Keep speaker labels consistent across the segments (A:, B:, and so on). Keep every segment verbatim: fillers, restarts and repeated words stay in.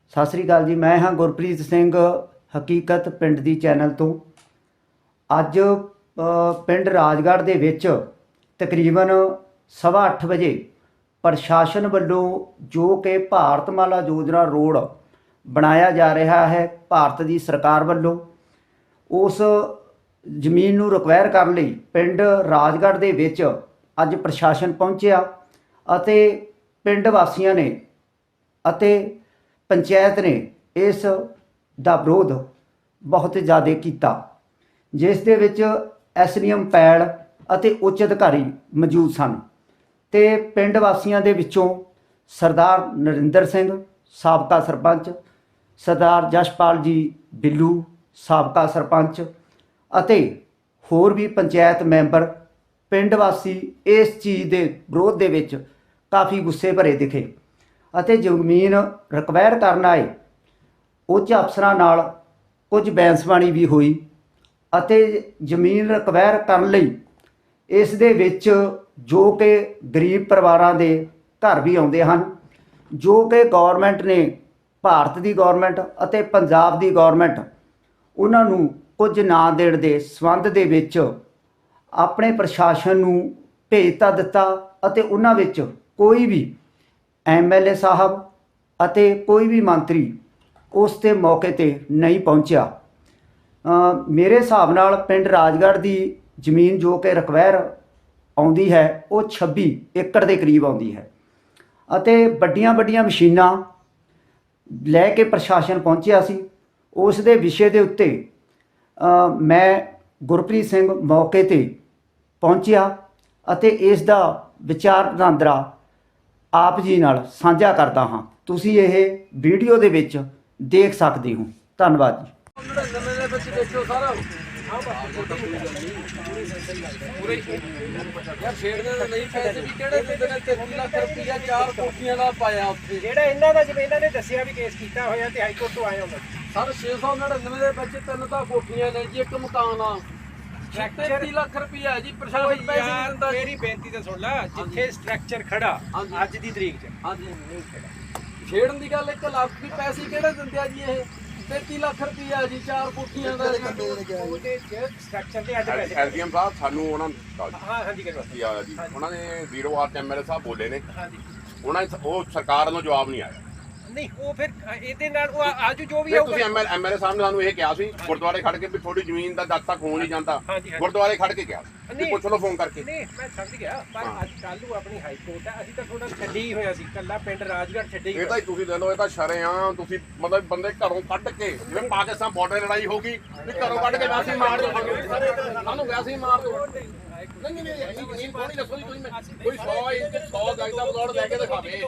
A: ਸਤਿ ਸ੍ਰੀ ਅਕਾਲ ਜੀ। ਮੈਂ ਹਾਂ ਗੁਰਪ੍ਰੀਤ ਸਿੰਘ ਹਕੀਕਤ ਪਿੰਡ ਦੀ ਚੈਨਲ ਤੋਂ। ਅੱਜ ਪਿੰਡ ਰਾਜਗੜ੍ਹ ਦੇ ਵਿੱਚ ਤਕਰੀਬਨ ਸਵਾ ਅੱਠ ਵਜੇ ਪ੍ਰਸ਼ਾਸਨ ਵੱਲੋਂ ਜੋ ਕਿ ਭਾਰਤਮਾਲਾ ਯੋਜਨਾ ਰੋਡ ਬਣਾਇਆ ਜਾ ਰਿਹਾ ਹੈ ਭਾਰਤ ਦੀ ਸਰਕਾਰ ਵੱਲੋਂ, ਉਸ ਜ਼ਮੀਨ ਨੂੰ ਰਿਕਵਾਇਰ ਕਰਨ ਲਈ ਪਿੰਡ ਰਾਜਗੜ੍ਹ ਦੇ ਵਿੱਚ ਅੱਜ ਪ੍ਰਸ਼ਾਸਨ ਪਹੁੰਚਿਆ ਅਤੇ ਪਿੰਡ ਵਾਸੀਆਂ ਨੇ ਅਤੇ ਪੰਚਾਇਤ ਨੇ ਇਸ ਦਾ ਵਿਰੋਧ ਬਹੁਤ ਜ਼ਿਆਦਾ ਕੀਤਾ, ਜਿਸ ਦੇ ਵਿੱਚ ਐਸ ਡੀ ਐਮ ਪੈੜ ਅਤੇ ਉੱਚ ਅਧਿਕਾਰੀ ਮੌਜੂਦ ਸਨ। ਤੇ ਪਿੰਡ ਵਾਸੀਆਂ ਦੇ ਵਿੱਚੋਂ ਸਰਦਾਰ ਨਰਿੰਦਰ ਸਿੰਘ ਸਾਬਕਾ ਸਰਪੰਚ, ਸਰਦਾਰ ਜਸ਼ਪਾਲ ਜੀ ਬਿੱਲੂ ਸਾਬਕਾ ਸਰਪੰਚ ਅਤੇ ਹੋਰ ਵੀ ਪੰਚਾਇਤ ਮੈਂਬਰ, ਪਿੰਡ ਵਾਸੀ ਇਸ ਚੀਜ਼ ਦੇ ਵਿਰੋਧ ਦੇ ਵਿੱਚ ਕਾਫੀ ਗੁੱਸੇ ਭਰੇ ਦਿਖੇ ਅਤੇ ਜ਼ਮੀਨ ਰਿਕਵਾਇਰ ਕਰਨ ਆਏ ਉੱਚ ਅਫਸਰਾਂ ਨਾਲ ਕੁਝ ਬੈਂਸਬਾਣੀ ਵੀ ਹੋਈ ਅਤੇ ਜ਼ਮੀਨ ਰਿਕਵਾਇਰ ਕਰਨ ਲਈ ਇਸ ਦੇ ਵਿੱਚ ਜੋ ਕਿ ਗਰੀਬ ਪਰਿਵਾਰਾਂ ਦੇ ਘਰ ਵੀ ਆਉਂਦੇ ਹਨ, ਜੋ ਕਿ ਗੌਰਮੈਂਟ ਨੇ, ਭਾਰਤ ਦੀ ਗੌਰਮੈਂਟ ਅਤੇ ਪੰਜਾਬ ਦੀ ਗੌਰਮੈਂਟ ਉਹਨਾਂ ਨੂੰ ਕੁਝ ਨਾ ਦੇਣ ਦੇ ਸੰਬੰਧ ਦੇ ਵਿੱਚ ਆਪਣੇ ਪ੍ਰਸ਼ਾਸਨ ਨੂੰ ਭੇਜ ਤਾਂ ਦਿੱਤਾ ਅਤੇ ਉਹਨਾਂ ਵਿੱਚ ਕੋਈ ਵੀ ਐਮ ਐਲ ਏ ਸਾਹਿਬ ਅਤੇ ਕੋਈ ਵੀ ਮੰਤਰੀ ਉਸ ਤੇ ਮੌਕੇ ਤੇ ਨਹੀਂ ਪਹੁੰਚਿਆ। ਮੇਰੇ ਹਿਸਾਬ ਨਾਲ ਪਿੰਡ ਰਾਜਗੜ੍ਹ ਦੀ ਜ਼ਮੀਨ ਜੋ ਕਿ ਰਿਕਵਾਇਰ ਆਉਂਦੀ ਹੈ ਉਹ ਛੱਬੀ ਏਕੜ ਦੇ ਕਰੀਬ ਆਉਂਦੀ ਹੈ ਅਤੇ ਵੱਡੀਆਂ ਵੱਡੀਆਂ ਮਸ਼ੀਨਾਂ ਲੈ ਕੇ ਪ੍ਰਸ਼ਾਸਨ ਪਹੁੰਚਿਆ ਸੀ। ਉਸ ਦੇ ਵਿਸ਼ੇ ਦੇ ਉੱਤੇ ਮੈਂ ਗੁਰਪ੍ਰੀਤ ਸਿੰਘ ਮੌਕੇ ਤੇ ਪਹੁੰਚਿਆ ਅਤੇ ਇਸ ਦਾ ਵਿਚਾਰ ਵਟਾਂਦਰਾ ਆਪ ਜੀ ਨਾਲ ਸਾਂਝਾ ਕਰਦਾ ਹਾਂ। ਤੁਸੀਂ ਇਹ ਵੀਡੀਓ ਦੇ ਵਿੱਚ ਦੇਖ ਸਕਦੇ ਹੋ। ਧੰਨਵਾਦ ਜੀ।
B: ਯਾਰ ਛੇੜਦੇ ਤਾਂ ਨਹੀਂ ਪੈਸੇ ਵੀ ਕਿਹੜੇ ਦਿੰਦੇ ਨੇ ਤੇਤੀ ਲੱਖ ਰੁਪਈਆ ਚਾਰ ਕੋਠੀਆਂ ਦਾ ਪਾਇਆ ਉੱਥੇ।
C: ਜਿਹੜਾ ਇਹਨਾਂ ਦਾ ਜਿਵੇਂ ਇਹਨਾਂ ਨੇ ਦੱਸਿਆ ਵੀ ਕੇਸ ਕੀਤਾ ਹੋਇਆ ਤੇ ਹਾਈ ਕੋਰਟ ਤੋਂ ਆਏ ਹੁੰਦਾ
B: ਸਰ ਛੇ ਸੌ ਨੜਿਨਵੇਂ ਦੇ ਵਿੱਚ ਤਿੰਨ ਤਾਂ ਕੋਠੀਆਂ ਨੇ ਜੀ, ਇੱਕ ਮਕਾਨ ਆ। ਤੇਤੀ ਲੱਖ ਰੁਪਈਆ ਹੈ ਜੀ, ਪ੍ਰਸ਼ਾਸਨ ਪੈਸੇ ਨਹੀਂ ਦਿੰਦਾ।
C: ਮੇਰੀ ਬੇਨਤੀ ਤਾਂ ਸੁਣ ਲੈ, ਜਿੱਥੇ ਸਟਰਕਚਰ ਖੜਾ ਅੱਜ ਦੀ ਤਰੀਕ 'ਚ
B: ਹਾਂਜੀ ਛੇੜਨ ਦੀ ਗੱਲ ਇੱਕ ਲੱਖ ਦੀ, ਪੈਸੇ ਕਿਹੜੇ ਦਿੰਦੇ ਆ ਜੀ? ਇਹ ਤੇਤੀ ਲੱਖ ਰੁਪਈਆ ਜੀ, ਚਾਰ ਕੋਠੀਆਂ ਦਾ।
C: ਉਹਦੇ 'ਚ ਸਟਰਕਚਰ ਤੇ ਅੱਜ ਪੈਸੇ
D: ਐਸ ਡੀ ਐਮ ਸਾਹਿਬ ਸਾਨੂੰ ਉਹਨਾਂ ਨੇ
C: ਹਾਂ ਹਾਂਜੀ ਕਰੋ
D: ਕੀ ਆਇਆ ਜੀ, ਉਹਨਾਂ ਨੇ zero R M L A ਸਾਹਿਬ ਬੋਲੇ ਨੇ,
C: ਹਾਂਜੀ
D: ਉਹਨਾਂ ਨੇ ਉਹ ਸਰਕਾਰ ਵੱਲੋਂ ਜਵਾਬ ਨਹੀਂ ਆਇਆ।
C: ਨਹੀਂ ਉਹ ਫਿਰ ਇਹਦੇ ਨਾਲ ਉਹ ਆਜੂ ਜੋ ਵੀ
D: ਫਿਰ ਤੁਸੀਂ ਐਮ ਐਲ ਏ ਸਾਹਿਬ ਨੇ ਸਾਨੂੰ ਇਹ ਕਿਹਾ ਸੀ ਗੁਰਦੁਆਰੇ ਖੜ ਕੇ ਵੀ ਥੋੜੀ ਜ਼ਮੀਨ ਦਾ ਜਦ ਤੱਕ ਹੋ ਨਹੀਂ ਜਾਂਦਾ, ਗੁਰਦੁਆਰੇ ਖੜ ਕੇ ਕਿਹਾ ਸੀ, ਪੁੱਛ ਲਓ ਫੋਨ ਕਰਕੇ।
C: ਨਹੀਂ ਮੈਂ ਸਮਝ ਗਿਆ, ਪਰ ਅੱਜ ਕੱਲ੍ਹ ਨੂੰ ਆਪਣੀ ਹਾਈ ਕੋਰਟ ਹੈ, ਅਸੀਂ ਤਾਂ ਥੋੜਾ ਛੱਡੀ ਹੀ ਹੋਇਆ ਸੀ, ਕੱਲਾ ਪਿੰਡ ਰਾਜਗੜ੍ਹ ਛੱਡੀ।
D: ਇਹ ਤਾਂ ਤੁਸੀਂ ਲੈ ਲਓ, ਇਹ ਤਾਂ ਸ਼ਰੇਆਮ ਤੁਸੀਂ ਮਤਲਬ ਬੰਦੇ ਘਰੋਂ ਕੱਢ ਕੇ, ਜਿਵੇਂ ਪਾਕਿਸਤਾਨ ਬਾਰਡਰ ਲੜਾਈ ਹੋ ਗਈ ਵੀ ਘਰੋਂ ਕੱਢ ਕੇ ਵੈਸੇ ਹੀ ਮਾਰ ਦਿਓ, ਸਾਨੂੰ ਵੈਸੇ ਹੀ ਮਾਰ ਦਿਓ। ਨਹੀਂ ਨਹੀਂ ਇੰਨੀ ਜ਼ਮੀਨ ਕੋਣੀ ਦੱਸੋ ਜੀ ਤੁਸੀਂ, ਕੋਈ ਸੌ ਇੰਚ ਸੌ ਗਜ ਦਾ ਪਲਾਟ ਲੈ ਕੇ ਦਿਖਾਵੇ।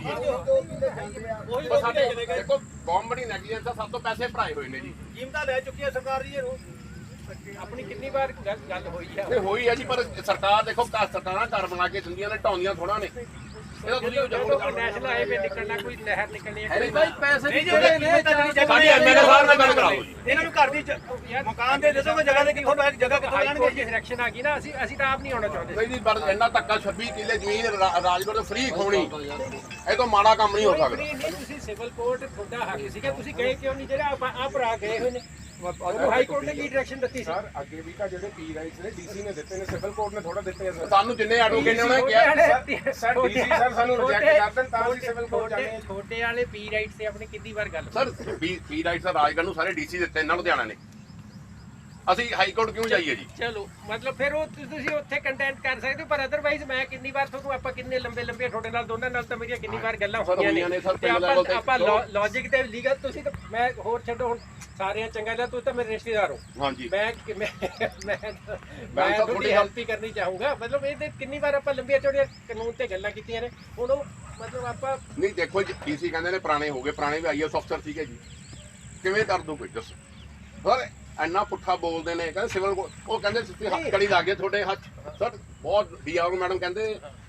D: ਉਹ ਸਾਡੇ ਦੇਖੋ ਗੌਰਮੈਂਟ ਦੀ ਨੈਗਲੀਜੈਂਸ ਆ, ਸਭ ਤੋਂ ਪੈਸੇ ਭਰਾਏ ਹੋਏ ਨੇ ਜੀ,
C: ਕੀਮਤਾਂ ਲੈ ਚੁੱਕੀ ਹੈ ਸਰਕਾਰ ਜੀ। ਇਹਨੂੰ ਆਪਣੀ ਕਿੰਨੀ ਵਾਰ ਗੱਲ ਹੋਈ ਆ?
D: ਇਹ ਹੋਈ ਆ ਜੀ, ਪਰ ਸਰਕਾਰ ਦੇਖੋ ਸਰਕਾਰਾਂ ਘਰ ਬਣਾ ਕੇ ਦਿੰਦੀਆਂ ਨੇ, ਢਾਉਂਦੀਆਂ ਥੋੜਾ ਨੇ। ਇਹਦਾ ਤੁਸੀਂ
C: ਨੈਸ਼ਨਲ ਹਾਈਵੇ ਨਿਕਲਣਾ, ਕੋਈ ਨਹਿਰ ਨਿਕਲਣੀ ਹੈ,
B: ਪੈਸੇ ਨਹੀਂ ਜਿਹੜੇ ਨੇ
D: ਸਾਡੀ ਐਮ ਐਲ ਏ ਸਾਹਿਬ ਨਾਲ ਗੱਲ ਕਰਾਓ ਜੀ।
C: ਇਹਨਾਂ ਨੂੰ ਘਰ ਦੀ ਮਕਾਨ ਦੇ ਦੱਸੋਗੇ, ਜਗ੍ਹਾ ਦੇ ਕਿੱਥੋਂ ਜਗ੍ਹਾ ਕਿੱਥੋਂ ਲੈਣਗੇ? ਜੇ ਸਿਲੈਕਸ਼ਨ ਆ ਗਈ ਨਾ, ਅਸੀਂ ਅਸੀਂ ਤਾਂ ਆਪ ਨਹੀਂ ਆਉਣਾ ਚਾਹੁੰਦੇ।
D: ਨਹੀਂ ਜੀ, ਪਰ ਇੰਨਾ ਧੱਕਾ ਛੱਬੀ ਕਿੱਲੇ ਜ਼ਮੀਨ ਰਾਜਗੜ੍ਹ ਤੋਂ ਫ੍ਰੀ ਖੋਣੀ, ਇਹ ਤੋਂ ਮਾੜਾ ਕੰਮ ਨਹੀਂ ਹੋ ਸਕਦਾ।
C: ਨਹੀਂ ਤੁਸੀਂ ਸਿਵਲ ਕੋਰਟ ਤੁਹਾਡਾ ਹੱਕ ਸੀਗਾ, ਤੁਸੀਂ ਗਏ ਕਿਉਂ ਨਹੀਂ? ਜਿਹੜਾ ਆਪਾਂ ਆ ਭਰਾ ਗਏ ਹੋਏ ਨੇ, ਹਾਈ ਕੋਰਟ ਨੇ ਕੀ ਡਾਇਰੈਕਸ਼ਨ ਦਿੱਤੀ ਸੀ?
E: ਸਰ ਅੱਗੇ ਵੀ ਤਾਂ ਜਿਹੜੇ ਪੀ ਰਾਈਟਸ ਨੇ ਡੀਸੀ ਨੇ ਦਿੱਤੇ ਨੇ, ਸਿਵਲ ਕੋਰਟ ਨੇ ਥੋੜਾ ਦਿੱਤੇ ਆ ਸਰ।
D: ਸਾਨੂੰ ਜਿੰਨੇ ਐਡਵੋਕੇਟ ਨੇ ਉਹਨੇ ਕਿਹਾ
E: ਸਰ ਡੀਸੀ ਸਰ ਸਾਨੂੰ ਰਿਜੈਕਟ ਕਰ ਦੇਣ ਤਾਂ ਅਸੀਂ ਸਿਵਲ ਕੋਰਟ ਜਾਣੇ।
C: ਛੋਟੇ ਵਾਲੇ ਪੀ ਰਾਈਟਸ ਤੇ ਆਪਣੀ ਕਿੰਨੀ ਵਾਰ ਗੱਲ
D: ਸਰ ਪੀ ਪੀ ਰਾਈਟਸ ਰਾਜਗੜ੍ਹ ਨੂੰ ਸਾਰੇ ਡੀਸੀ ਦਿੱਤੇ, ਇਹਨਾਂ ਲੁਧਿਆਣਾ ਨੇ, ਅਸੀਂ ਹਾਈ ਕੋਰਟ ਕਿਉਂ ਜਾਈਏ ਜੀ?
C: ਚਲੋ ਮਤਲਬ ਫਿਰ ਉਹ ਤੁਸੀਂ ਉੱਥੇ ਕੰਟੈਂਟ ਕਰ ਸਕਦੇ ਹੋ, ਪਰ ਅਦਰਵਾਈਜ਼ ਮੈਂ ਕਿੰਨੀ ਵਾਰ ਤੁਹਾਨੂੰ ਆਪਾਂ ਕਿੰਨੇ ਲੰਬੇ ਲੰਬੇ ਤੁਹਾਡੇ ਨਾਲ ਦੋਨਾਂ ਨਾਲ ਤਾਂ ਮੇਰੀਆਂ ਕਿੰਨੀ ਵਾਰ ਗੱਲਾਂ ਹੋਈਆਂ ਨੇ ਤੇ ਆਪਾਂ ਆਪਾਂ ਲੌਜਿਕ ਤੇ ਲੀਗਲ, ਤੁਸੀਂ ਤਾਂ ਮੈਂ ਹੋਰ ਛੱਡੋ, ਹੁਣ ਸਾਰਿਆਂ ਚੰਗਾ ਲਿਆ, ਤੁਸੀਂ ਤਾਂ ਮੇਰੇ ਰਿਸ਼ਤੇਦਾਰ ਹੋ।
D: ਹਾਂਜੀ
C: ਮੈਂ ਮੈਂ ਮੈਂ ਮੈਂ ਤੁਹਾਡੀ ਹੈਲਪ ਹੀ ਕਰਨੀ ਚਾਹੂੰਗਾ। ਮਤਲਬ ਇਹ ਤੇ ਕਿੰਨੀ ਵਾਰ ਆਪਾਂ ਲੰਬੀਆਂ ਚੌੜੀਆਂ ਕਾਨੂੰਨ ਤੇ ਗੱਲਾਂ ਕੀਤੀਆਂ ਨੇ, ਹੁਣ ਉਹ ਮਤਲਬ ਆਪਾਂ
D: ਨਹੀਂ ਦੇਖੋ ਜੀ, ਡੀਸੀ ਕਹਿੰਦੇ ਨੇ ਪੁਰਾਣੇ ਹੋ ਗਏ, ਪੁਰਾਣੇ ਵੀ ਆਈ ਐਸ ਅਫਸਰ ਸੀਗੇ ਜੀ, ਕਿਵੇਂ ਕਰ ਦੂ ਕੋਈ ਦੱਸੋ? ਸਰ ਇੰਨਾ ਪੁੱਠਾ ਬੋਲਦੇ ਨੇ, ਕਹਿੰਦੇ ਸਿਵਲ ਉਹ ਕਹਿੰਦੇ ਤੁਸੀਂ ਹੱਥ ਕੜੀ ਲਾ ਗਏ ਤੁਹਾਡੇ ਹੱਥ। ਸਰ ਬਹੁਤ ਡੀ ਆਰ ਮੈਡਮ ਕਹਿੰਦੇ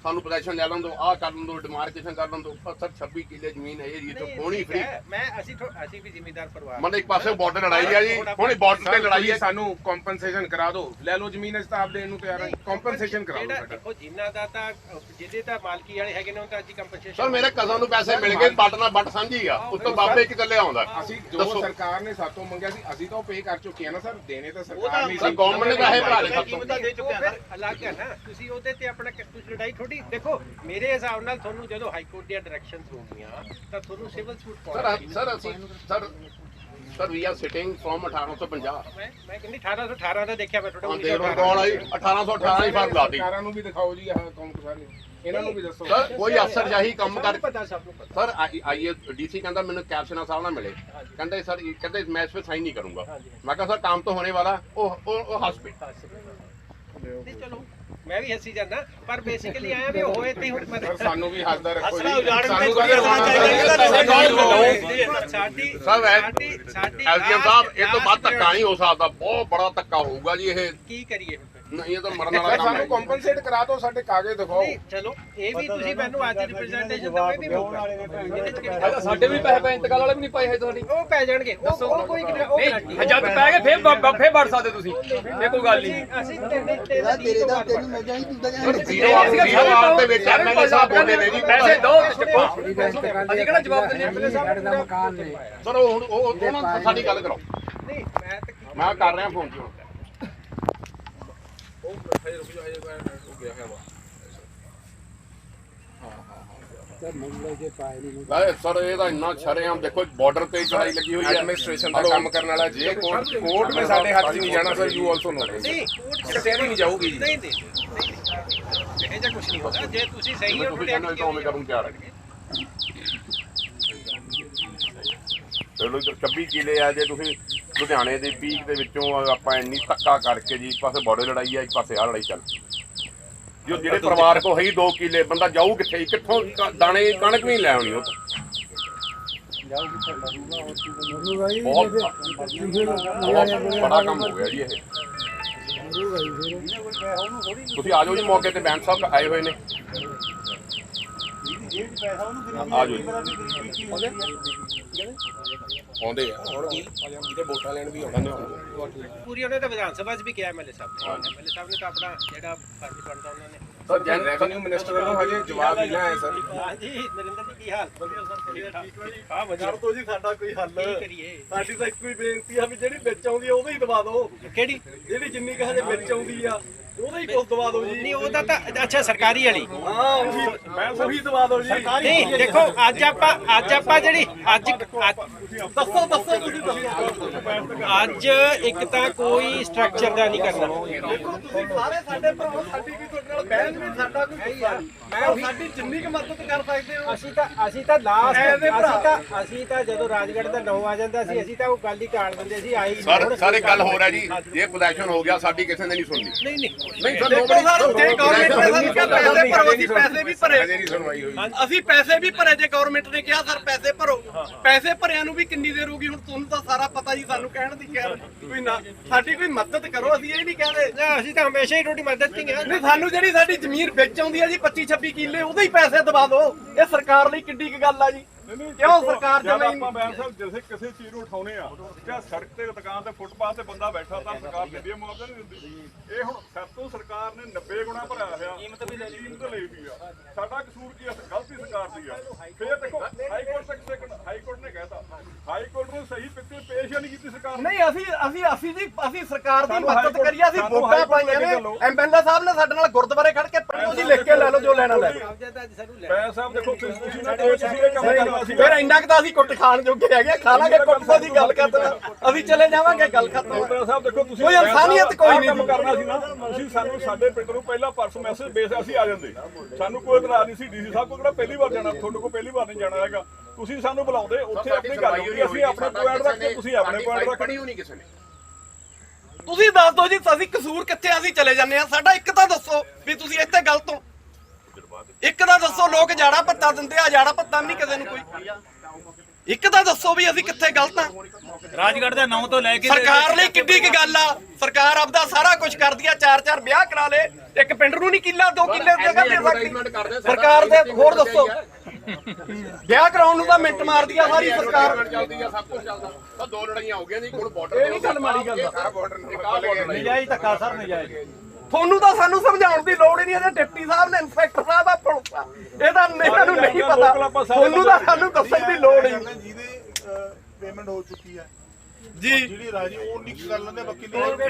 D: ਸਾਨੂੰ ਪੋਜੀਸ਼ਨ ਲੈ ਲੈਣ ਦਿਓ, ਆਹ ਕਰ ਲੈਣ ਦਿਓ, ਡਿਮਾਰਕੇਸ਼ਨ ਕਰ ਲੈਣ ਦਿਓ। ਪਰ ਸਰ ਛੱਬੀ ਕਿੱਲੇ ਜ਼ਮੀਨ ਹੈ ਜੀ, ਤੋਂ ਹੋਣੀ ਫਰੀ।
C: ਮੈਂ ਅਸੀਂ ਥੋ- ਅਸੀਂ ਵੀ ਜ਼ਿਮੀਂਦਾਰ ਪਰਿਵਾਰ
D: ਮਤਲਬ ਇੱਕ ਪਾਸੇ ਬਾਰਡਰ ਲੜਾਈ ਹੈ ਜੀ, ਹੁਣ ਬਾਰਡਰ ਤੇ ਲੜਾਈ ਹੈ।
E: ਸਾਨੂੰ ਕੰਪਨਸੇਸ਼ਨ ਕਰਾ ਦਿਓ, ਲੈ ਲਓ ਜ਼ਮੀਨ ਅਸੀਂ ਤਾਂ ਆਪ ਦੇਣ ਨੂੰ ਤਿਆਰ ਹਾਂ। ਕੰਪਨਸੇਸ਼ਨ ਕਰਾ ਦਿਓ
C: ਜਿਹੜਾ
E: ਸਾਡਾ।
C: ਦੇਖੋ ਜਿਨ੍ਹਾਂ ਦਾ ਤਾਂ ਜਿਹਦੇ ਤਾਂ ਮਾਲਕੀ ਵਾਲੇ ਹੈਗੇ ਨੇ ਉਹ ਤਾਂ ਅੱਜ ਕੰਪਨਸੇਸ਼ਨ
D: ਸਰ ਮੇਰੇ ਕਜ਼ਨ ਨੂੰ ਪੈਸੇ ਮਿਲ ਗਏ, ਬੱਟ ਨਾਲ ਬੱਟ ਸਾਂਝੀ ਆ, ਉਸ ਤੋਂ ਬਾਬੇ ਇੱਕ ਚੱਲੇ ਆਉਂਦਾ।
E: ਅਸੀਂ ਜੋ ਸਰਕਾਰ ਨੇ ਸਾਤੋਂ ਮੰਗਿਆ ਸੀ ਅਸੀਂ ਤਾਂ ਉਹ ਪੇ ਕਰ ਚੁੱਕੇ ਹਾਂ ਨਾ ਸਰ। ਦੇਣੇ ਤਾਂ ਸਰਕਾਰ ਨਹੀਂ
D: ਸਰ
E: ਸੀ।
D: ਗਵਰਨਮੈਂਟ ਨੇ ਪੈਸੇ ਭਰਾ ਲਏ ਸਾਤੋਂ।
C: ਅਲੱਗ ਹੈ ਨਾ, ਤੁਸੀਂ ਉਹਦੇ ਤੇ ਆਪਣਾ ਕੁਝ ਲੜਾਈ ਥੋੜੀ। ਦੇਖੋ ਮੇਰੇ ਹਿਸਾਬ ਨਾਲ ਤੁਹਾਨੂੰ ਜਦੋਂ ਹਾਈ ਕੋਰਟ ਦੀਆਂ ਡਾਇਰੈਕਸ਼ਨਸ ਹੋਣਗੀਆਂ ਤਾਂ ਤੁਹਾਨੂੰ ਸਿਵਲ ਸੂਟ ਪਾਉਣਾ
D: ਸਰ ਸਰ ਅਸੀਂ sir sir we are sitting from ਅਠਾਰਾਂ ਸੌ ਪੰਜਾਹ।
C: ਮੈਂ ਮੈਂ ਕਹਿੰਦੀ ਅਠਾਰਾਂ ਸੌ ਅਠਾਰਾਂ ਦਾ ਦੇਖਿਆ ਮੈਂ
D: ਹਾਂ
C: ਤੁਹਾਡਾ
D: ਦੇਖ ਲਓ ਕੌਣ ਆਈ ਅਠਾਰਾਂ ਸੌ ਅਠਾਰਾਂ ਦੀ ਫਰਕ ਲਾਤੀ।
E: ਸਰਕਾਰਾਂ ਨੂੰ ਵੀ ਦਿਖਾਓ ਜੀ ਆਹ ਕੰਮ ਸਾਰੇ ਇਹਨਾਂ ਨੂੰ ਵੀ ਦੱਸੋ।
D: ਸਰ ਕੋਈ ਅਫਸਰ ਜਾਹੀ ਕੰਮ ਕਰ
C: ਪਤਾ ਸਭ ਨੂੰ ਪਤਾ।
D: ਸਰ ਆਈਏ ਡੀਸੀ ਕਹਿੰਦਾ ਮੈਨੂੰ ਕੈਪਸ਼ਨਾ ਸਾਹਿਬ ਨਾਲ ਮਿਲੇ, ਕਹਿੰਦੇ ਸਰ ਕਹਿੰਦੇ ਮੈਂ ਇਸ 'ਤੇ ਸਾਈਨ ਨਹੀਂ ਕਰੂੰਗਾ। ਮੈਂ ਕਿਹਾ ਸਰ ਕੰਮ तो होने वाला ਉਹ ਉਹ ਹਸਪੀਟਲ।
C: ਨਹੀਂ ਚਲੋ ਮੈਂ ਵੀ ਹੱਸੀ ਜਾਂਦਾ ਪਰ ਬੇਸਿਕਲੀ ਆਇਆ ਵੀ ਹੋਏ ਤੇ ਹੁਣ
E: ਸਰ ਸਾਨੂੰ ਵੀ ਹੱਸਦਾ ਰੱਖੋ ਜੀ।
C: ਸਾਨੂੰ ਸਾਡੀ
D: ਸਰ
C: ਸਾਡੀ ਸਾਡੀ
D: ਐਸਡੀਐਮ ਸਾਹਿਬ ਇਹ ਤੋਂ ਬਾਅਦ ਧੱਕਾ ਨਹੀਂ ਹੋ ਸਕਦਾ, ਬਹੁਤ ਬੜਾ ਧੱਕਾ ਹੋਊਗਾ ਜੀ ਇਹ।
C: ਕੀ ਕਰੀਏ
D: ਨਹੀਂ ਇਹ ਤਾਂ ਮਰਨ ਵਾਲਾ
E: ਸਰ
D: ਕੰਮ ਹੈ।
E: ਸਾਨੂੰ ਕੰਪਨਸੇਟ ਕਰਾ ਦਿਓ, ਸਾਡੇ ਕਾਗਜ਼ ਦਿਖਾਓ।
C: ਨਹੀਂ ਚਲੋ ਇਹ ਵੀ ਤੁਸੀਂ ਮੈਨੂੰ ਅੱਜ ਰਿਪਰੈਜ਼ੈਂਟੇਸ਼ਨ ਦਵੇ ਵੀ ਹੋਊਗਾ।
B: ਸਾਡੇ ਵੀ ਪੈਸੇ ਪੈ ਇੰਤਕਾਲ ਵਾਲੇ ਵੀ ਨਹੀਂ ਪਾਏ ਹੈ ਤੁਹਾਡੀ।
C: ਉਹ ਪੈ ਜਾਣਗੇ ਉਹ ਉਹ ਕੋਈ ਨਹੀਂ ਉਹ ਗਾਰੰਟੀ
B: ਜਦ ਪੈ ਗਏ ਫੇਰ ਬ- ਫੇਰ ਵੜ ਸਕਦੇ ਤੁਸੀਂ, ਇਹ ਕੋਈ ਗੱਲ ਨਹੀਂ।
C: ਅਸੀਂ ਤੇਰੇ ਤੇਰੇ ਤੇਰੇ ਦਾ ਤੇਰੀ ਮੈਂ ਜਾਈ ਤੂੰ
D: ਜ਼ੀਰੋ ਆਰ ਦੇ ਵਿੱਚ ਐਮਐਲਏ ਸਾਹਿਬ ਬੋਲੇ ਨੇ ਜੀ
B: ਪੈਸੇ ਦੋ ਚੱਕੋ, ਅਸੀਂ ਕਿਹੜਾ ਜਵਾਬ ਦਿੰਦੇ ਐਮਐਲਏ ਸਾਹਿਬ।
D: ਸਰ ਉਹ ਹੁਣ ਉਹ ਉਹਨਾਂ ਨਾਲ ਸਾਡੀ ਗੱਲ ਕਰੋ।
C: ਨਹੀਂ ਮੈਂ ਤਾਂ
D: ਮੈਂ ਕਰ ਰਿਹਾ ਫੋਨ ਜੀ ਹੁਣ। ਵੈਸੇ ਸਰ ਇਹ ਤਾਂ ਇੰਨਾ ਸ਼ਰੇਆਮ ਦੇਖੋ ਬਾਰਡਰ ਤੇ ਚੜਾਈ ਲੱਗੀ ਹੋਈ ਹੈ।
E: ਐਡਮਿਨਿਸਟ੍ਰੇਸ਼ਨ ਦਾ ਕੰਮ ਕਰਨ ਵਾਲਾ ਜੇ ਕੋਰਟ ਕੋਰਟ ਨੇ ਸਾਡੇ ਹੱਥ 'ਚ ਨਹੀਂ ਜਾਣਾ ਸਰ। ਯੂ ਆਲਸੋ ਨੋ
C: ਨਹੀਂ ਕੋਰਟ
E: ਕਚਹਿਰੀ ਨਹੀਂ ਜਾਊਗੀ ਜੀ।
C: ਨਹੀਂ ਨਹੀਂ ਨਹੀਂ ਇਹ ਜਿਹਾ ਕੁਝ ਨਹੀਂ ਹੋਗਾ ਜੇ ਤੁਸੀਂ ਸਹੀ ਹੋ
D: ਤੁਸੀਂ ਕਹਿੰਦੇ ਤਾਂ ਉਵੇਂ ਕਰਨ ਤਿਆਰ ਹੈ। ਚਲੋ ਛੱਬੀ ਕਿਲੇ ਆ ਜੇ ਤੁਸੀਂ ਲੁਧਿਆਣੇ ਦੇ ਪੀਕ ਦੇ ਵਿੱਚੋਂ ਆਪਾਂ ਇੰਨੀ ਧੱਕਾ ਕਰਕੇ ਜੀ, ਇੱਕ ਪਾਸੇ ਬਾਰਡਰ ਲੜਾਈ ਆ, ਇੱਕ ਪਾਸੇ ਆ ਲੜਾਈ ਚੱਲ। ਜੋ ਜਿਹੜੇ ਪਰਿਵਾਰ ਕੋ ਹੈ ਹੀ ਦੋ ਕਿਲੇ, ਬੰਦਾ ਜਾਊ ਕਿੱਥੇ? ਕਿੱਥੋਂ ਕ- ਦਾਣੇ ਕਣਕ ਵੀ ਲੈ ਆਉਣੀ ਉਹ ਤੋਂ। ਬਹੁਤ ਬਹੁਤ ਬੜਾ ਕੰਮ ਹੋ ਗਿਆ ਜੀ ਇਹ। ਤੁਸੀਂ ਆ ਜਾਓ ਜੀ ਮੌਕੇ ਤੇ, ਬੈਂਸ ਸਾਹਿਬ ਆਏ ਹੋਏ ਨੇ। ਆ ਜਾਓ ਜੀ।
E: ਆਉਂਦੇ ਆ ਹੁਣ ਕੀ ਕਿਤੇ ਵੋਟਾਂ ਲੈਣ ਵੀ ਆਉਂਦੇ ਨੇ।
C: ਪੂਰੀ ਉਹਨੇ ਤਾਂ ਵਿਧਾਨ ਸਭਾ 'ਚ ਵੀ ਕਿਹਾ ਐਮਐਲਏ ਸਾਹਿਬ ਨੇ। ਐਮਐਲਏ ਸਾਹਿਬ ਨੇ ਤਾਂ ਆਪਣਾ ਜਿਹੜਾ ਫਰਜ਼ ਬਣਦਾ ਉਹਨਾਂ ਨੇ।
D: ਸਰ
E: ਜਨ ਰੈਵਨਿਊ ਮਿਨਿਸਟਰ ਵੱਲੋਂ ਹਜੇ ਜਵਾਬ ਨਹੀਂ ਆਇਆ ਸਰ।
C: ਹਾਂਜੀ ਨਰਿੰਦਰ ਜੀ ਕੀ ਹਾਲ?
B: ਹਾਂ ਵਜਰ ਤੋਂ ਜੀ ਸਾਡਾ ਕੋਈ ਹੱਲ।
C: ਕੀ ਕਰੀਏ?
B: ਸਾਡੀ ਤਾਂ ਇੱਕੋ ਹੀ ਬੇਨਤੀ ਆ ਵੀ ਜਿਹੜੀ ਵਿੱਚ ਆਉਂਦੀ ਆ ਉਹਦੇ ਹੀ ਦਵਾ ਦਿਓ।
C: ਕਿਹੜੀ?
B: ਜਿਹੜੀ ਜਿੰਨੀ ਕਹੇ ਵਿੱਚ ਆਉਂਦੀ ਆ ਉਹਦੇ ਹੀ ਕੁਝ ਦਵਾ ਦਿਓ ਜੀ।
C: ਨਹੀਂ ਉਹਦਾ ਤਾਂ ਅੱਛਾ ਸਰਕਾਰੀ ਵਾਲੀ।
B: ਹਾਂ ਉਹੀ ਮੈਂ ਉਹੀ ਦਵਾ ਦਿਓ ਜੀ।
C: ਨਹੀਂ ਦੇਖੋ ਅੱਜ ਆਪਾਂ ਅੱਜ ਆਪਾਂ ਜਿਹੜੀ ਅੱਜ
B: ਦੱਸੋ ਦੱਸੋ ਤੁਸੀਂ ਦੱਸੋ।
C: ਅੱਜ ਇੱਕ ਤਾਂ ਕੋਈ ਸਟਰਕਚਰ ਦਾ ਨਹੀਂ ਕਰਨਾ।
B: ਦੇਖੋ ਤੁਸੀਂ ਸਾਰੇ ਸਾਡੇ ਭਰਾ, ਸਾਡੀ ਵੀ ਤੁਹਾਡੇ ਨਾਲ ਬਹਿਣ ਵੀ ਸਾਡਾ ਕੋਈ ਗੁੱਸਾ ਨਹੀਂ। ਮੈਂ ਸਾਡੀ ਜਿੰਨੀ ਕੁ ਮਦਦ ਕਰ ਸਕਦੇ ਹੋ।
C: ਅਸੀਂ ਤਾਂ ਅਸੀਂ ਤਾਂ ਲਾਸਟ
B: ਐਵੇਂ ਭਰਾ।
C: ਅਸੀਂ ਤਾਂ ਅਸੀਂ ਤਾਂ ਜਦੋਂ ਰਾਜਗੜ੍ਹ ਦਾ ਨੌ ਆ ਜਾਂਦਾ ਸੀ ਅਸੀਂ ਤਾਂ ਉਹ ਗੱਲ ਹੀ ਟਾਲ ਦਿੰਦੇ ਸੀ ਆਈ ਨਹੀਂ।
D: ਸਰ ਸਰ ਇੱਕ ਗੱਲ ਹੋ ਰਿਹਾ ਜੀ, ਜੇ ਪੋਜੀਸ਼ਨ ਹੋ ਗਿਆ ਸਾਡੀ ਕਿਸੇ ਨੇ ਨਹੀਂ ਸੁਣਨੀ।
C: ਨਹੀਂ ਨਹੀਂ
D: ਨਹੀਂ ਸਰ
B: ਦੇਖੋ ਸਰ ਜੇ ਗਵਰਨਮੈਂਟ ਨੇ ਸਾਨੂੰ ਕਿਹਾ ਪੈਸੇ ਭਰੋ, ਅਸੀਂ ਪੈਸੇ ਵੀ ਭਰੇ।
E: ਹਜੇ ਨਹੀਂ ਸੁਣਵਾਈ ਹੋਈ।
B: ਅਸੀਂ ਪੈਸੇ ਵੀ ਭਰੇ ਜੇ ਗਵਰਨਮੈਂਟ ਨੇ ਕਿਹਾ ਸਰ ਪੈਸੇ ਭਰੋ। ਪੈਸੇ ਭਰਿਆਂ ਨੂੰ ਵੀ ਕਿੰਨੀ ਦੇਰ ਹੋਊਗੀ ਹੁਣ ਤੁਹਾਨੂੰ ਤਾਂ ਸਾਰਾ ਪਤਾ ਜੀ। ਸਾਨੂੰ ਕਹਿਣ ਦੀ ਖੈਰ ਕੋਈ ਨਾ, ਸਾਡੀ ਕੋਈ ਮਦਦ ਕਰੋ। ਅਸੀਂ ਇਹ ਨਹੀਂ ਕਹਿੰਦੇ
C: ਨਾ, ਅਸੀਂ ਤਾਂ ਹਮੇਸ਼ਾ ਹੀ ਤੁਹਾਡੀ ਮਦਦ ਕੀਤੀ ਹੈ।
B: ਨਹੀਂ, ਸਾਨੂੰ ਜਿਹੜੀ ਸਾਡੀ ਜ਼ਮੀਨ ਵਿੱਚ ਆਉਂਦੀ ਹੈ ਜੀ ਪੱਚੀ ਛੱਬੀ ਕਿੱਲੇ, ਉਹਦੇ ਹੀ ਪੈਸੇ ਦਵਾ ਦਿਓ। ਇਹ ਸਰਕਾਰ ਲਈ ਕਿੱਡੀ ਕੁ ਗੱਲ ਆ ਜੀ। ਕਿਉਂ ਸਰਕਾਰ
F: ਜਦ
B: ਜਮਾਈ
F: ਆਪਾਂ ਬੈਂਸ ਸਾਹਿਬ ਜਿਵੇਂ ਕਿਸੇ ਚੀਜ਼ ਨੂੰ ਉਠਾਉਨੇ ਆ ਜਾਂ ਸੜਕ ਤੇ ਦੁਕਾਨ ਤੇ ਫੁੱਟਪਾਥ ਤੇ ਬੰਦਾ ਬੈਠਾ ਤਾਂ ਸਰਕਾਰ ਦਿੰਦੀ ਹੈ, ਮੁਆਵਜ਼ਾ ਨਹੀਂ ਦਿੰਦੀ। ਇਹ ਹੁਣ ਸਾਤੋਂ ਸਰਕਾਰ ਨੇ ਨੱਬੇ ਗੁਣਾ ਭਰਿਆ ਹੋਇਆ, ਕੀਮਤ ਵੀ ਲੈ ਲਈ ਕੀਮਤ ਲਈ ਵੀ ਆ। ਸਾਡਾ ਕਸੂਰ ਕੀ ਆ? ਗਲਤੀ ਸਰਕਾਰ ਦੀ ਆ। ਫੇਰ ਦੇਖੋ ਹਾਈ ਕੋਰਟ ਤੱਕ ਸੈਕੰਡ ਹਾਈ ਕੋਰਟ ਨੇ ਕਹਿਤਾ, ਹਾਈ ਕੋਰਟ ਨੂੰ ਸਹੀ ਪਿੱਛੇ ਪੇਸ਼ ਹੀ ਨਹੀਂ ਕੀਤੀ ਸਰਕਾਰ ਨੇ।
B: ਨਹੀਂ ਅਸੀਂ ਅਸੀਂ ਅਸੀਂ ਜੀ ਅਸੀਂ ਸਰਕਾਰ ਦੀ ਮਦਦ ਕਰੀਏ। ਅਸੀਂ ਵੋਟਾਂ ਪਾਈਆਂ ਨੇ। ਐਮਐਲਏ ਸਾਹਿਬ ਨੇ ਸਾਡੇ ਨਾਲ ਗੁਰਦੁਆਰੇ ਖੜ ਕੇ ਪੜ੍ਹੋ ਜੀ, ਲਿਖ ਕੇ ਲੈ ਲਓ ਜੋ ਲੈਣਾ ਲੈ ਲਓ।
F: ਬੈਂਸ ਸਾਹਿਬ ਦੇਖੋ ਤੁਸੀਂ ਤੁਸੀਂ ਨਾ ਕਹੋ ਤੁਸੀਂ ਇਹ ਕੰਮ ਕਰਨਾ ਸੀ।
B: ਫਿਰ ਇੰਨਾ ਕੁ ਤਾਂ ਅਸੀਂ ਕੁੱਟ ਖਾਣ ਜੋਗੇ ਹੈਗੇ, ਖਾ ਲਾਂਗੇ ਕੁੱਟ ਦੀ ਗੱਲ ਕਰਦੇ ਅਸੀਂ ਚਲੇ ਜਾਵਾਂਗੇ, ਗੱਲ ਖਤਮ।
F: ਬੈਂਸ ਸਾਹਿਬ ਦੇਖੋ ਤੁਸੀਂ
B: ਕੋਈ ਇਨਸਾਨੀਅਤ ਕੋਈ ਨਹੀਂ
F: ਕੰਮ ਕਰਨਾ ਸੀ ਨਾ। ਤੁਸੀਂ ਸਾਨੂੰ ਸਾਡੇ ਪਿੰਡ ਨੂੰ ਪਹਿਲਾਂ ਪਰਸੋਂ ਮੈਸੇਜ ਬੇਸ ਅਸੀਂ ਆ ਜਾਂਦੇ, ਸਾਨੂੰ ਕੋਈ ਇਤਰਾਜ਼ ਨਹੀਂ ਸੀ। ਡੀਸੀ ਸਾਹਿਬ ਕੋਲ ਕਿਹੜਾ ਪਹਿਲੀ ਵਾਰ ਜਾਣਾ, ਤੁਹਾਡੇ ਕੋਲ ਪਹਿਲੀ ਵਾਰ ਨਹੀਂ ਜਾਣਾ ਹੈਗਾ। ਤੁਸੀਂ ਸਾਨੂੰ ਬੁਲਾਉਂਦੇ, ਉੱਥੇ ਆਪਣੀ ਗੱਲ ਹੁੰਦੀ, ਅਸੀਂ ਆਪਣੇ ਪੁਆਇੰਟ ਰੱਖਦੇ, ਤੁਸੀਂ ਆਪਣੇ ਪੁਆਇੰਟ ਰੱਖਦੇ।
D: ਨਹੀਂ ਕਿਸੇ ਨੇ
B: ਤੁਸੀਂ ਦੱਸ ਦਿਓ ਜੀ ਅਸੀਂ ਕਸੂਰ ਕਿੱਥੇ, ਅਸੀਂ ਚਲੇ ਜਾਂਦੇ ਆ। ਸਾਡਾ ਇੱਕ ਤਾਂ ਦੱਸੋ ਵੀ ਤੁਸੀਂ ਇੱਥੇ ਗਲਤ ਹੋ। ਇੱਕ ਤਾਂ ਦੱਸੋ, ਲੋਕ ਜਾੜਾ ਪੱਤਾ ਦਿੰਦੇ ਆ, ਜਾੜਾ ਪੱਤਾ ਨਹੀਂ ਕਿਸੇ ਨੂੰ ਕੋਈ। ਇੱਕ ਤਾਂ ਦੱਸੋ ਵੀ ਅਸੀਂ ਕਿੱਥੇ ਗਲਤ ਆ।
G: ਰਾਜਗੜ੍ਹ ਦੇ ਨਾਂ ਤੋਂ ਲੈ ਕੇ
B: ਸਰਕਾਰ ਲਈ ਕਿੱਡੀ ਕੀ ਗੱਲ ਆ, ਸਰਕਾਰ ਆਪਦਾ ਸਾਰਾ ਕੁਝ ਕਰਦੀ ਆ, ਚਾਰ ਚਾਰ ਵਿਆਹ ਕਰਾ ਲੇ, ਇੱਕ ਪਿੰਡ ਨੂੰ ਨਹੀਂ ਕਿੱਲਾ ਦੋ ਕਿੱਲੇ ਜਗ੍ਹਾ ਦੇ ਸਕਦੀ ਸਰਕਾਰ ਦੇ। ਹੋਰ ਦੱਸੋ, ਵਿਆਹ ਕਰਾਉਣ ਨੂੰ ਤਾਂ ਮਿੰਟ ਮਾਰਦੀ ਆ ਸਾਰੀ ਸਰਕਾਰ।
D: ਚੱਲਦੀ ਆ, ਸਭ ਕੁਝ ਚੱਲਦਾ। ਤਾਂ ਦੋ ਲੜਾਈਆਂ ਹੋ ਗਈਆਂ ਜੀ, ਹੁਣ ਬਾਰਡਰ ਇਹ ਨਹੀਂ ਗੱਲ ਮਾੜੀ ਗੱਲ ਆ। ਬਾਰਡਰ
G: ਨਜਾਇਜ਼ ਧੱਕਾ ਸਰ, ਨਜਾਇਜ਼।
B: ਤੁਹਾਨੂੰ ਤਾਂ ਸਾਨੂੰ ਸਮਝਾਉਣ ਦੀ ਲੋੜ ਹੀ ਨਹੀਂ, ਇਹਦੇ ਡਿਪਟੀ ਸਾਹਿਬ ਨੇ ਇੰਸਪੈਕਟਰ ਸਾਹਿਬ ਆ ਪੁਲਿਸ ਆ, ਇਹਦਾ ਇਹਨਾਂ ਨੂੰ ਨਹੀਂ ਪਤਾ। ਤੁਹਾਨੂੰ ਤਾਂ ਸਾਨੂੰ ਦੱਸਣ ਦੀ ਲੋੜ ਹੀ ਨਹੀਂ।
H: ਜਿਹਦੇ ਪੇਮੈਂਟ ਹੋ ਚੁੱਕੀ ਹੈ
B: ਜੀ
H: ਜਿਹੜੀ ਰਾਜੀ ਉਹ ਨਹੀਂ ਕਰ ਲੈਂਦੇ, ਬਾਕੀ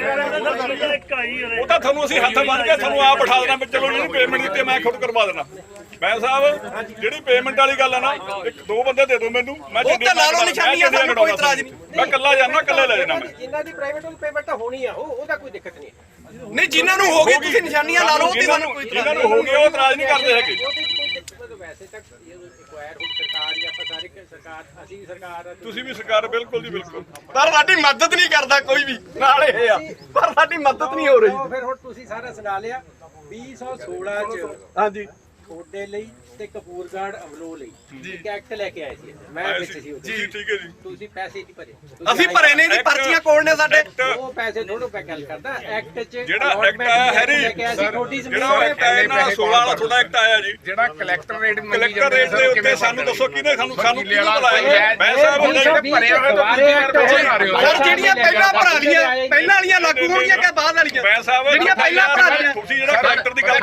F: ਉਹ ਤਾਂ ਤੁਹਾਨੂੰ ਅਸੀਂ ਹੱਥ ਬੰਨ ਕੇ ਤੁਹਾਨੂੰ ਆਪ ਬਿਠਾ ਦੇਣਾ ਵੀ ਚਲੋ ਜਿਹੜੀ ਪੇਮੈਂਟ ਦਿੱਤੀ ਮੈਂ ਖੁਦ ਕਰਵਾ ਦੇਣਾ। ਮੈਂ ਸਾਹਿਬ ਜਿਹੜੀ ਪੇਮੈਂਟ ਵਾਲੀ ਗੱਲ ਆ ਨਾ, ਇੱਕ ਦੋ ਬੰਦੇ ਦੇ ਦਿਓ ਮੈਨੂੰ, ਮੈਂ
B: ਉਹ ਤਾਂ ਲਾ ਲਓ ਨਿਸ਼ਾਨੀਆਂ, ਸਾਨੂੰ ਕੋਈ ਇਤਰਾਜ਼ ਨਹੀਂ।
F: ਮੈਂ ਇਕੱਲਾ ਜਾਣਾ, ਇਕੱਲੇ ਲੈ ਜਾਣਾ ਮੈਂ।
C: ਜਿਨ੍ਹਾਂ ਦੀ ਪ੍ਰਾਈਵੇਟ ਉਹ ਪੇਮੈਂਟ ਤਾਂ ਹੋਣੀ ਆ, ਉਹ ਉਹਦਾ ਕੋਈ ਦਿੱਕਤ ਨਹੀਂ ਹੈ।
B: ਨਹੀਂ ਜਿਨ੍ਹਾਂ ਨੂੰ ਹੋ ਗਈ ਤੁਸੀਂ ਨਿਸ਼ਾਨੀਆਂ ਲਾ ਲਓ, ਉਹਦੀ ਸਾਨੂੰ ਕੋਈ ਇਤਰਾਜ਼
F: ਜਿਹਨਾਂ ਨੂੰ ਹੋ ਗਏ ਉਹ ਇਤਰਾਜ਼ ਨਹੀਂ ਕਰਦੇ ਹੈਗੇ।
C: ਉਹਦੀ ਕੋਈ ਦਿੱਕਤ ਵੈਸੇ ਤੱਕ ਰਿਕੁਆਇਰ ਹੁਣ ਸਰਕਾਰ ਜਾਂ ਆਪਾਂ ਸਾਰੇ ਸਰਕਾਰ, ਅਸੀਂ ਵੀ ਸਰਕਾਰ,
F: ਤੁਸੀਂ ਵੀ ਸਰਕਾਰ, ਬਿਲਕੁਲ ਜੀ ਬਿਲਕੁਲ।
B: ਪਰ ਸਾਡੀ ਮਦਦ ਨਹੀਂ ਕਰਦਾ ਕੋਈ ਵੀ, ਨਾਲ ਇਹ ਆ ਪਰ ਸਾਡੀ ਮਦਦ ਨਹੀਂ ਹੋ ਰਹੀ।
C: ਉਹ ਫਿਰ ਹੁਣ ਤੁਸੀਂ ਸਾਰਾ ਸੁਣਾ ਲਿਆ। ਵੀਹ ਸੌ ਸੋਲਾਂ ਚ
B: ਹਾਂਜੀ
C: ਤੁਹਾਡੇ ਲਈ ਤੇ ਕਪੂਰਗੜ੍ਹ ਅਮਲੋ ਲਈ ਇੱਕ ਐਕਟ ਲੈ ਕੇ ਆਏ ਸੀ, ਮੈਂ ਵਿੱਚ ਸੀ ਉਹਦੇ।
F: ਜੀ ਠੀਕ ਹੈ ਜੀ।
C: ਤੁਸੀਂ ਪੈਸੇ ਨਹੀਂ ਭਰੇ,
B: ਅਸੀਂ ਭਰੇ ਨੇ ਜੀ, ਪਰਚੀਆਂ ਕੋਲ ਨੇ ਸਾਡੇ।
C: ਉਹ ਪੈਸੇ ਥੋੜੋ ਪੈ ਗੱਲ ਕਰਦਾ ਐਕਟ ਚ
F: ਜਿਹੜਾ ਐਕਟ ਆਇਆ ਹੈਰੀ, ਜਿਹੜਾ ਐਕਟ ਆਇਆ ਨਾ ਸੋਲਾਂ ਵਾਲਾ ਤੁਹਾਡਾ ਐਕਟ ਆਇਆ ਜੀ,
E: ਜਿਹੜਾ ਕਲੈਕਟਰ ਰੇਟ ਮੰਗੀ
F: ਕਲੈਕਟਰ ਰੇਟ ਦੇ ਉੱਤੇ ਸਾਨੂੰ ਦੱਸੋ ਕਿਹਨੇ ਸਾਨੂੰ ਸਾਨੂੰ ਕਿਹਨੇ ਬੁਲਾਇਆ? ਮੈਂ ਸਾਹਿਬ ਉਹਨੇ
E: ਭਰਿਆ ਹੋਇਆ ਤਾਂ ਤੁਸੀਂ ਯਾਰ ਦੋ ਬਣਾ ਰਹੇ ਹੋ।
B: ਸਰ ਜਿਹੜੀਆਂ ਪਹਿਲਾਂ ਭਰਾ ਲੀਆਂ, ਪਹਿਲਾਂ ਵਾਲੀਆਂ ਲਾਗੂ ਹੋਣਗੀਆਂ ਕਿ ਬਾਅਦ ਵਾਲੀਆਂ?
F: ਮੈਂ ਸਾਹਿਬ
B: ਜਿਹੜੀਆਂ ਪਹਿਲਾਂ ਭਰਾ ਲੀਆਂ,
F: ਤੁਸੀਂ ਜਿਹੜਾ ਕਲੈਕਟਰ ਦੀ ਗੱਲ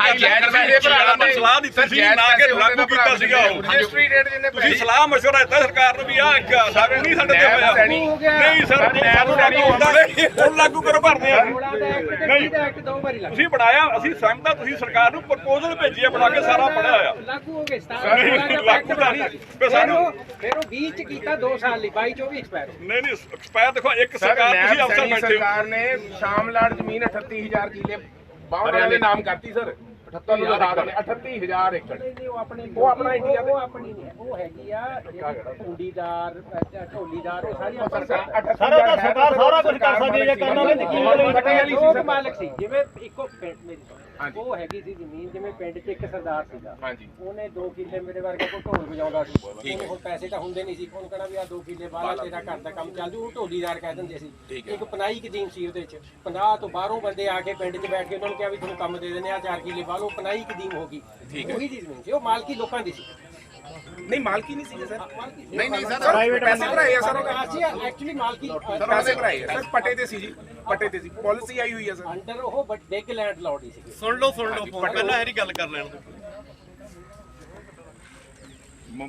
F: ਕਰਦੇ ਸਲਾਹ ਦਿੱਤੀ ਸੀ ਨਾ ਕਿ ਲਾਗੂ ਕੀਤਾ ਸੀਗਾ ਉਹ।
E: ਰਜਿਸਟਰੀ ਰੇਟ ਜਿੰਨੇ
F: ਤੁਸੀਂ ਸਲਾਹ ਮਸ਼ਵਰਾ ਦਿੱਤਾ ਸਰਕਾਰ ਨੂੰ ਵੀ ਆਹ ਸਾਡੇ ਨਹੀਂ ਸਾਡੇ ਤੇ ਹੋਇਆ। ਨਹੀਂ ਸਰ ਸਾਨੂੰ ਲਾਗੂ ਹੁੰਦਾ ਨਹੀਂ, ਹੁਣ ਲਾਗੂ ਕਰੋ ਭਰਦੇ ਆ। ਨਹੀਂ
C: ਦੋ ਵਾਰੀ ਲੱਗ
F: ਤੁਸੀਂ ਬਣਾਇਆ, ਅਸੀਂ ਸਹਿਮਤ ਹਾਂ, ਤੁਸੀਂ ਸਰਕਾਰ ਨੂੰ ਪ੍ਰਪੋਜ਼ਲ ਭੇਜੀ ਹੈ ਬਣਾ ਕੇ, ਸਾਰਾ ਪੜਿਆ ਹੋਇਆ।
C: ਲਾਗੂ ਹੋ ਗਏ
F: ਨਹੀਂ, ਲਾਗੂ ਤਾਂ ਨਹੀਂ। ਫਿਰ ਸਾਨੂੰ
C: ਫਿਰ ਉਹ ਵੀਹ ਚ ਕੀਤਾ ਦੋ ਸਾਲ ਲਈ, ਬਾਈ ਚੌਵੀ ਐਕਸਪਾਇਰ।
F: ਨਹੀਂ ਨਹੀਂ ਐਕਸਪਾਇਰ ਦੇਖੋ, ਇੱਕ ਸਰਕਾਰ ਤੁਸੀਂ ਅਫਸਰ ਬੈਠੇ ਹੋ।
E: ਸਰਕਾਰ ਨੇ ਸ਼ਾਮਲਾਟ ਜ਼ਮੀਨ ਅਠੱਤੀ ਹਜ਼ਾਰ ਕਿੱਲੇ ਬਾਵਨ ਦੇ ਨਾਮ ਕਰਤੀ ਸਰ। ਅਠੱਤੀ ਹਜ਼ਾਰ ਅਠੱਤੀ ਹਜ਼ਾਰ ਏਕੜ
C: ਉਹ ਆਪਣੇ
E: ਉਹ ਆਪਣਾ ਇੰਡੀਆ
C: ਉਹ ਆਪਣੀ ਨਹੀਂ ਹੈ, ਉਹ ਹੈਗੀ ਆ ਢੋਲੀਦਾਰ, ਢੋਲੀਦਾਰ, ਉਹ ਸਾਰੀਆਂ
E: ਸਰਕਾਰ
G: ਸਰਕਾਰ ਸਾਰਾ ਕੁਝ ਕਰ ਸਕਦੀ ਹੈ, ਕਰਨਾ ਵੀ ਕੀ
C: ਵਾਲੀ ਸੀ ਮਾਲਕ ਸੀ। ਜਿਵੇਂ ਇੱਕੋ ਪਿੰਡ ਮੇਰੀ ਸੁਣ, ਉਹ ਹੈਗੀ ਸੀ ਜ਼ਮੀਨ, ਜਿਵੇਂ ਪਿੰਡ 'ਚ ਇੱਕ ਸਰਦਾਰ ਸੀਗਾ,
E: ਹਾਂਜੀ
C: ਉਹਨੇ ਦੋ ਕਿੱਲੇ ਮੇਰੇ ਵਰਗਾ ਕੋਈ ਢੋਲ ਵਜਾਉਂਦਾ ਸੀ, ਉਹਨੂੰ ਹੁਣ ਪੈਸੇ ਤਾਂ ਹੁੰਦੇ ਨਹੀਂ ਸੀ, ਉਹਨੂੰ ਕਹਿਣਾ ਵੀ ਆ ਦੋ ਕਿੱਲੇ ਬਾਹਰ ਤੇਰਾ ਘਰ ਦਾ ਕੰਮ ਚੱਲ ਜੂ, ਉਹ ਢੋਲੀਦਾਰ ਕਹਿ ਦਿੰਦੇ ਸੀ। ਇੱਕ ਪਨਾਈ ਕਦੀਮ ਸੀ ਉਹਦੇ 'ਚ, ਪੰਜਾਹ ਤੋਂ ਬਾਹਰੋਂ ਬੰਦੇ ਆ ਕੇ ਪਿੰਡ 'ਚ ਬੈਠ ਕੇ ਉਹਨਾਂ ਨੂੰ ਕਿਹਾ ਵੀ ਤੁਹਾਨੂੰ ਕੰਮ ਦੇ ਦਿੰਦੇ ਆ ਚਾਰ ਕਿੱਲੇ ਬਾਹਰੋਂ, ਪਨਾਈ ਕਦੀਮ ਹੋ ਗਈ। ਉਹੀ ਦੀ ਜ਼ਮੀਨ ਸੀ, ਉਹ ਮਾਲਕੀ ਲੋਕਾਂ ਦੀ ਸੀ।
E: ਨਹੀਂ ਮਾਲਕੀ ਨਹੀਂ ਸੀ ਸਰ। ਨਹੀਂ ਨਹੀਂ ਸਰ ਪੈਸੇ ਭਰਾਏ ਆ ਸਰ,
C: ਅਸੀਂ ਐਕਚੁਅਲੀ ਮਾਲਕੀ
E: ਸਰ ਪੈਸੇ ਭਰਾਏ ਸਰ, ਪੱਟੇ ਤੇ ਸੀ ਜੀ, ਪੱਟੇ ਤੇ ਸੀ, ਪਾਲਿਸੀ ਆਈ ਹੋਈ ਹੈ ਸਰ।
C: ਅੰਡਰ ਉਹ ਬਟ ਬਿਗ ਲੈਂਡ ਲਾਰਡ ਹੀ ਸੀ।
B: ਸੁਣ ਲਓ ਸੁਣ ਲਓ, ਪਹਿਲਾਂ ਇਹਦੀ ਗੱਲ ਕਰ ਲੈਣ ਦਿਓ।